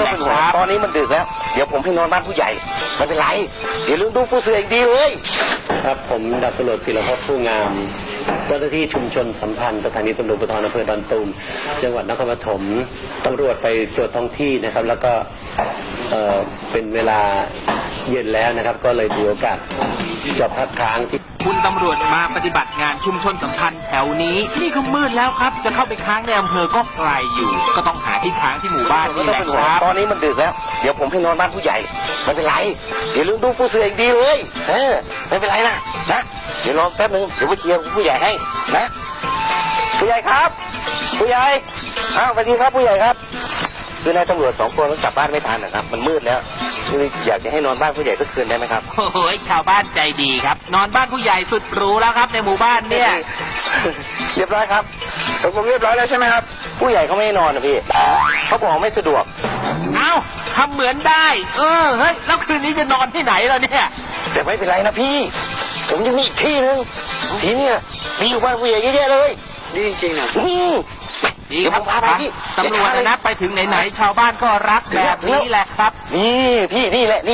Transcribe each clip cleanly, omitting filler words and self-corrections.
แหละครับตอนนี้มันดึกแล้วเดี๋ยวผมให้นอนบ้านผู้ใหญ่ไม่เป็นไรเดี๋ยวลืมดูผู้เสืออีกดีเลยครับผมดาบตำรวจศิรพจน์ผู้งามเจ้าหน้าที่ชุมชนสัมพันธ์สถานีตำรวจภูธรอำเภอดอนตูมจังหวัดนครปฐมตำรวจไปตรวจท้องที่นะครับแล้วก็เป็นเวลาเย็นแล้วนะครับก็เลยถือโอกาสจอดพักค้างที่คุณตำรวจมาปฏิบัติงานชุมชนสัมพันธ์แถวนี้นี่ก็มืดแล้วครับจะเข้าไปค้างในอำเภอก็ไกลอยู่ก็ต้องหาที่ค้างที่หมู่บ้านนี่แหละครับตอนนี้มันดึกแล้วเดี๋ยวผมให้นอนบ้านผู้ใหญ่ไม่เป็นไรเดี๋ยวลืมดูผู้เสืออีกดีเลยไม่เป็นไรนะเดี๋ยวรอแป๊บนึงเดี๋ยวไปเคลียร์ผู้ใหญ่ให้นะผู้ใหญ่ครับผู้ใหญ่สวัสดีครับผู้ใหญ่ครับคือนายตำรวจ2 คนกลับบ้านไม่ทันนะครับมันมืดแล้วอยากจะให้นอนบ้านผู้ใหญ่สักคืนได้ไหมครับโอ้ยชาวบ้านใจดีครับนอนบ้านผู้ใหญ่สุดหรูแล้วครับในหมู่บ้านเนี่ยเรียบร้อยครับผมเรียบร้อยแล้วใช่ไหมครับผู้ใหญ่เขาไม่ให้นอนนะพี่เขาบอกไม่สะดวกเอ้าทำเหมือนได้เฮ้ยแล้วคืนนี้จะนอนที่ไหนล่ะเนี่ยแต่ไม่เป็นไรนะพี่ผมยังมีอีกที่นึงที่เนี่ยมีอยู่บ้านผู้ใหญ่เยอะๆเลยดีจริงๆนะดีครับตำรวจนะไปถึงไหนๆชาวบ้านก็รักแบบนี้แหละครับนี่พี่นี่แหละ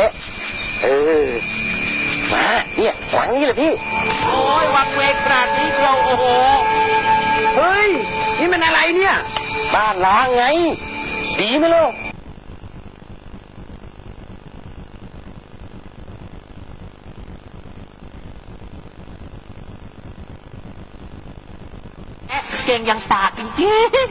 มาเนี่ยหลังนี้แหละพี่โอ้ยวังเวงขนาดนี้เชียวโอ้โหเฮ้ยนี่มันอะไรเนี่ยบ้านล้างไงดีไหมลูกเก่งอย่างปากจริง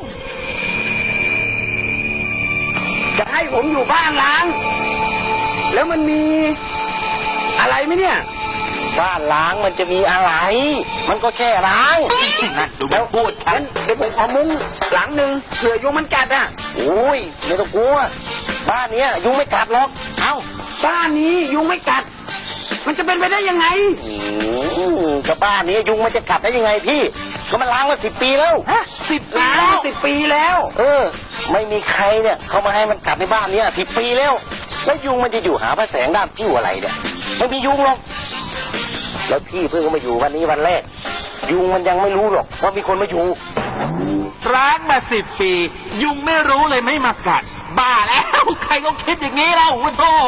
ๆจะให้ผมอยู่บ้านล้างแล้วมันมีอะไรไหมเนี่ยบ้านล้างมันจะมีอะไรมันก็แค่ล้างนั่นดูแล้วพูดงั้นเดี๋ยวผมขอมุ้งหลังหนึ่งเผื่อยุงมันกัดอ่ะโอ้ยไม่ต้องกลัวบ้านนี้ยุงไม่กัดหรอกเอ้าบ้านนี้ยุงไม่กัดมันจะเป็นไปได้ยังไงกับบ้านนี้ยุงมันจะกัดได้ยังไงพี่ก็มันล้างมา10 ปีแล้ว 10 ปีแล้ว 10 ปีแล้วไม่มีใครเนี่ยเขามาให้มันกัดในบ้านนี้10 ปีแล้วแล้วยุงมันจะอยู่หาพระแสงด้ามจิ้วอะไรเนี่ยไม่มียุงหรอกแล้วพี่เพิ่งมาอยู่วันนี้วันแรกยุงมันยังไม่รู้หรอกว่ามีคนมาอยู่ร้างมา10 ปียุงไม่รู้เลยไม่มากัดบ้าแล้วใครก็คิดอย่างนี้แล้วโธ่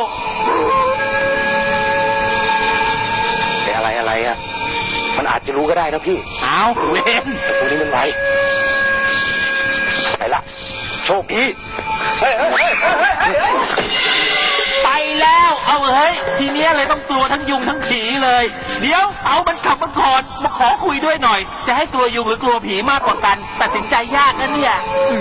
แต่อะไรอ่ะมันอาจจะรู้ก็ได้นะพี่เอาเว้นแต่พวกนี้มันไวไปละโชคดีไปแล้วเอาเฮ้ยทีนี้เลยต้องตัวทั้งยุงทั้งผีเลยเดี๋ยวเอามันขับมาก่อนมาขอคุยด้วยหน่อยจะให้กลัวยุงหรือกลัวผีมากกว่ากันตัดสินใจยากนะเนี่ย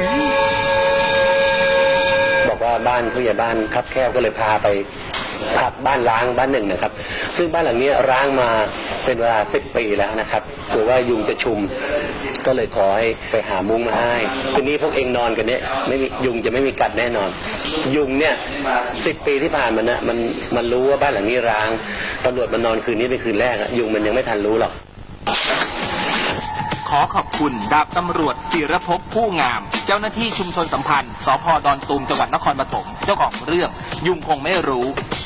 บอกว่าบ้านผู้ใหญ่บ้านคับแคบก็เลยพาไปพักบ้านร้างบ้านหนึ่งนะครับซึ่งบ้านหลังนี้ร้างมาเป็นเวลา10 ปีแล้วนะครับกลัวว่ายุงจะชุมก็เลยขอให้ไปหามุ้งมาให้คืนนี้พวกเองนอนกันเนี่ยไม่มียุงจะไม่มีกัดแน่นอนยุงเนี่ย10 ปีที่ผ่านมานะมันรู้ว่าบ้านหลังนี้ร้างตำรวจมานอนคืนนี้เป็นคืนแรกยุงมันยังไม่ทันรู้หรอกขอขอบคุณดาบตำรวจศิรภพผู้งามเจ้าหน้าที่ชุมชนสัมพันธ์สภ.ดอนตูมจังหวัดนครปฐมเจ้าของเรื่องยุงคงไม่รู้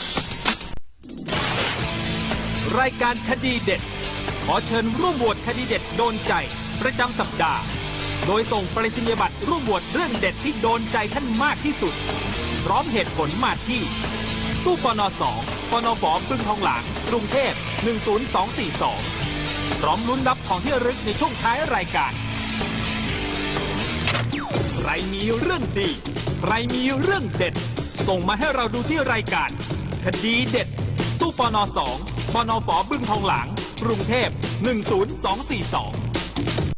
รายการคดีเด็ดขอเชิญร่วมโหวตคดีเด็ดโดนใจประจำสัปดาห์โดยส่งไปรษณียบัตรร่วมโหวตเรื่องเด็ดที่โดนใจท่านมากที่สุดพร้อมเหตุผลมาที่ตู้ปน2 ปนฝ.บึงทองหลางกรุงเทพ10242พร้อมลุ้นรับของที่ระลึกในช่วงท้ายรายการใครมีเรื่องดีใครมีเรื่องเด็ดส่งมาให้เราดูที่รายการคดีเด็ดตู้ปน2 ปนฝ.บึงทองหลางกรุงเทพ10242